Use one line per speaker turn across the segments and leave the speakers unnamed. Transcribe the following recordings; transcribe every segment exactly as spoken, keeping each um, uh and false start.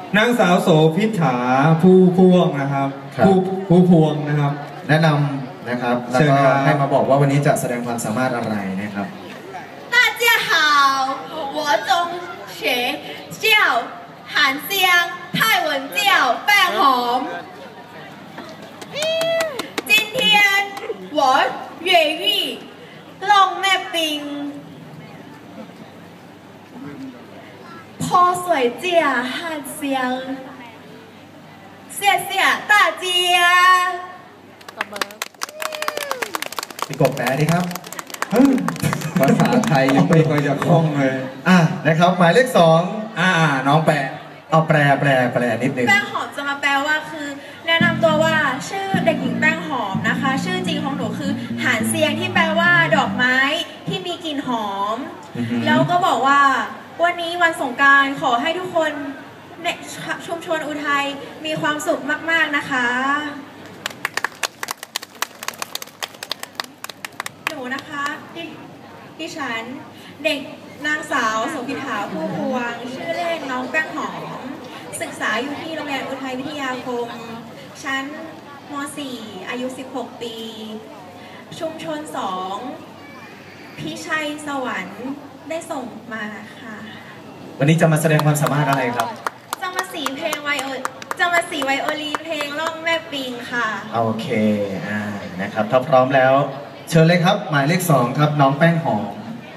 นางสาวโสพิษฐาผู้พวงนะครับผู้ผู้พวงนะครับ
แนะนำนะครับแล้วก็ให้มาบอกว่าวันนี้จะแสดงความสามารถอะไรนะครับ
大家好我中学叫韩香泰文叫半红今天我越狱弄那冰泼水架汉香谢谢大家
พี่กบแปลดิครับ
ภาษาไทยยังไม่ค่อยจะคล่องเลย
อ่ะนะครับหมายเลขสอง
อ่าน้องแปล
เอาแปลแปลแปลนิดนึง
แป้งหอมจะมาแปลว่าคือแนะนำตัวว่าชื่อเด็กหญิงแป้งหอมนะคะชื่อจริงของหนูคือหานเซียงที่แปลว่าดอกไม้ที่มีกลิ่นหอมแล้วก็บอกว่าวันนี้วันสงกรานต์ขอให้ทุกคนในชุมชนอุทัยมีความสุขมากๆนะคะหนูนะคะดิดิฉันเด็กนางสาวโสภิฐาผู้พวงชื่อเล่นน้องแป้งหอมศึกษาอยู่ที่โรงเรียนอุทัยวิทยาคมชั้นม.สี่ อายุสิบหกปีชุมชนสองพิชัยสวรรค์ได้ส่งมาค่ะ
วันนี้จะมาแสดงความสามารถอะไรครับ
จะมาสีเพลงไวโอจะมาสีไวโอลีนเพลงล่องแม่ปิงค่ะ
โอเคอ่านะครับถ้าพร้อมแล้วเชิญเลยครับหมายเลขสองครับน้องแป้งหอม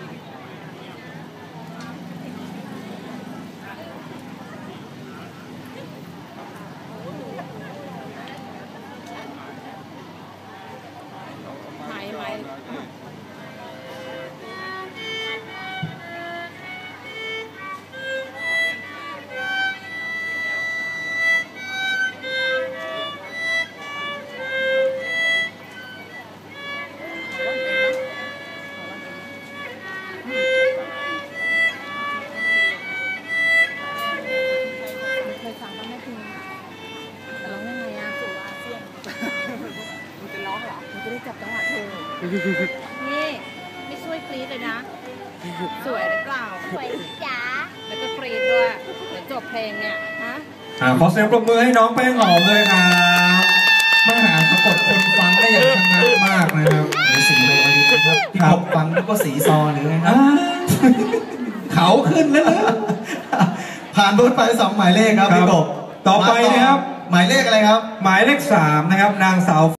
นี่ไม่ช่วยกรี๊ดเลยนะสวยหรือเปล่า
สวยจ๋า
แล้วก็กรี๊ดด้วยเดี๋ยวจบเพลงเนี่ยฮะ
อ่าขอเสียงปรบมือให้น้องแป้งหอมเลยครับมหาสะกดคนฟังได้อย่างชนะมากนะครับ
หรือสีเลยวันนี้ครับพี่กบฟังแล้วก็สีซอหรือไงครับ
เขาขึ้นแล้วนะ
ผ่านพ้นไปสองหมายเลขครับพี่กบ
ต่อไปนะครับ
หมายเลขอะไรครับ
หมายเลขสามนะครับนางสาว